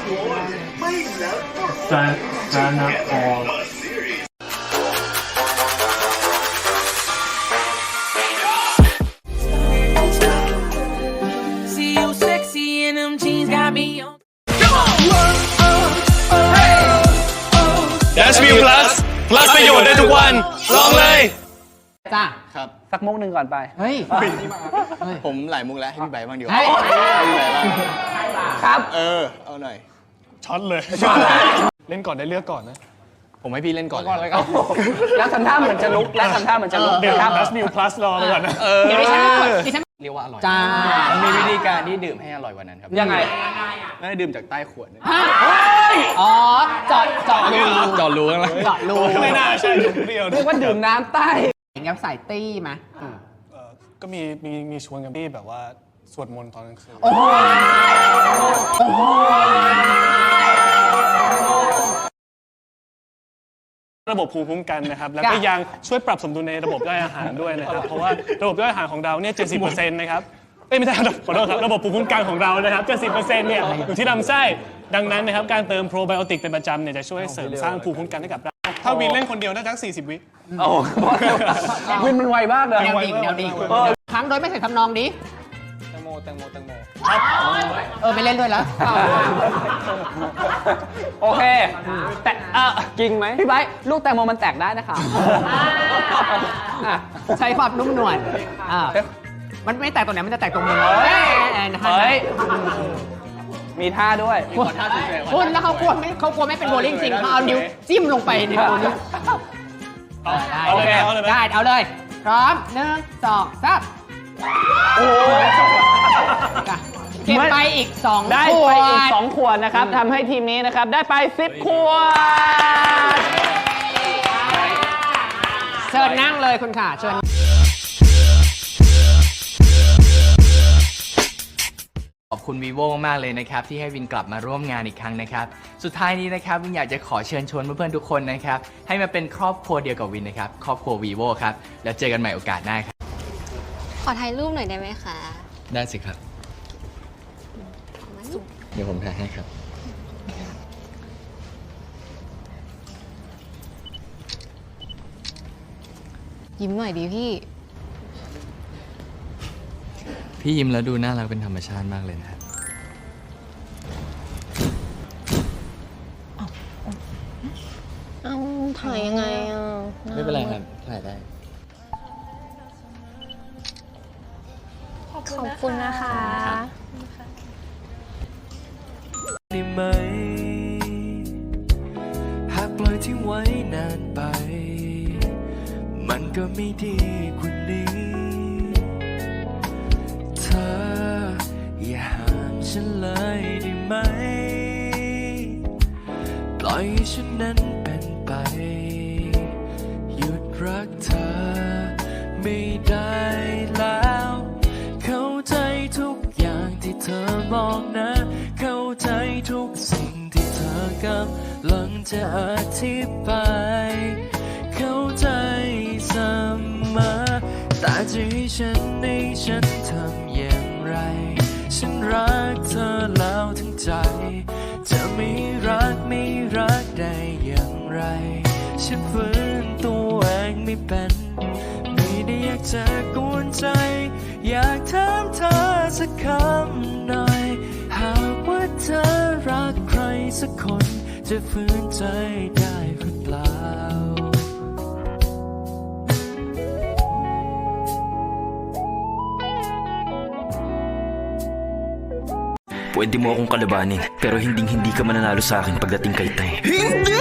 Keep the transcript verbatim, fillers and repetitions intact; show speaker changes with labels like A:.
A: ซาซานาออล
B: Dash View Plus Plus ประโยชน์ได้ทุกวันลองเลย
C: จ้า
D: ครับ
C: สักมุกหนึ่งก่อนไปเฮ้ย
D: ผมหลายมุกแล้วให้พี่ใบบ้างดีกว่า
C: เฮ้ย
D: ให้พี่ใบบ้าง
C: ครับ
D: เออเอาหน่อย
B: ช็อตเลยเล่นก่อนได้เลือกก่อนนะ
D: ผมให้พี่เล่นก่อนเลย
C: แล้วทำท่าเหมือนจะลุกแล้วทำท่าเหมือนจะลุก
B: เดี๋ยว
C: ครับ
B: Dash View Plus รอไปก่อนนะ
C: เดี๋ยวดิฉันไม่กดดิฉัน
D: เรียกว่าอร่อย
C: จ้า
D: มันมีวิธีการที่ดื่มให้อร่อยกว่านั้นครับ
C: ยังไง
D: ไม่ได้ดื่มจากใต้ขวดนะ
C: อ๋อเจาะเจาะรู
D: จอดรู้กันแล้ว
C: เจาะรู
B: ไม่น่าใช่เปรี้ยว
C: เรียกว่าดื่มน้ำใต้อย่างงี้ใส่ตี้ไหม
B: ก็มีมีมีชวนกันที่แบบว่าสวดมนต์ตอนกลางคืน
C: โอ้โหโอ้โห
B: ระบบภูมิคุ้มกันนะครับแล้วก็ยังช่วยปรับสมดุลในระบบย่อยอาหารด้วยนะครับเพราะว่าระบบย่อยอาหารของเราเนี่ย เจ็ดสิบเปอร์เซ็นต์ นะครับเอ้ยไม่ใช่ขอโทษครับระบบภูมิคุ้มกันของเรานะครับ เจ็ดสิบเปอร์เซ็นต์ เนี่ยอยู่ที่ลำไส้ดังนั้นนะครับการเติมโปรไบโอติกเป็นประจำเนี่ยจะช่วยเสริมสร้างภูมิคุ้มกันให้กับเราถ้าวินเล่นคนเดียวน่าจะสี่สิบวิ
C: โอ้วินมันไวมากเลย
B: แนวดิ่ง
C: แนวดิ่งครั้งโดยไม่ใส่ทำนองดิ
D: แตงโมแตงโมแตงโม
C: เออไม่เล่นด้วยแล้วโอเคแต่เออจริงไหมพี่ไบร์ทลูกแตงโมมันแตกได้นะคะใช้ความนุ่มนวลอ่ามันไม่แตกตรงไหนมันจะแตกตรงมือเฮ้ยมีท่าด้วยคุณแล้วเขากลัวไม่เขากลัวไม่เป็นโบลิ่งจริงเขาเอานิ้วจิ้มลงไปในตัวนี้ได้โอเคได้เอาเลยพร้อมหนึ่งสองสามโอ้เก็บไปอีกสองได้ไปอีกสองขวดนะครับทำให้ทีมนี้นะครับได้ไปสิบขวดเชิญนั่งเลยคุณค่ะเชิญ
E: ขอบคุณ vivo มากๆเลยนะครับที่ให้วินกลับมาร่วมงานอีกครั้งนะครับสุดท้ายนี้นะครับวินอยากจะขอเชิญชวนเพื่อนๆทุกคนนะครับให้มาเป็นครอบครัวเดียวกับวินนะครับครอบครัว vivo ครับแล้วเจอกันใหม่โอกาสหน้าครับ
F: ขอถ่ายรูปหน่อยได้ไหมคะ
E: ได้สิครับเดี๋ยวผมถ่ายให้ครับ
F: ยิ้มหน่อยดิพี่
E: พี่ยิ้มแล้วดูน่ารักเป็นธรรมชาติมากเลยนะ
F: เอาถ่ายยังไงอ่ะ
E: ไม่เป็นไรครับถ่ายได้
F: ขอบคุณนะคะ
G: ได้ไหมหากปล่อยทิ้งไว้นานไปมันก็ไม่ดีกว่านี้เธออย่าห้ามฉันเลยได้ไหมปล่อยให้ฉันนั้นเป็นไปหยุดรักเธอไม่ได้แล้วเข้าใจทุกอย่างที่เธอมองนะเข้าใจทุกสิ่งที่เธอกำลังจะอธิบายเข้าใจเสมอแต่จะให้ฉันในฉันทำอย่างไรฉันรักเธอแล้วทั้งใจจะไม่รักไม่รักได้อย่างไรฉันฝืนตัวเองไม่เป็นไม่ได้อยากจะกวนใจอยากถามเธอสักคำหน่อยหากว่าเธอรักใครสักคนจะฝืนใจได้หรือเปล่า
H: Pwede mo akong kalabanin, pero hinding-hindi ka mananalo sa akin pagdating kay Tay. Hindi!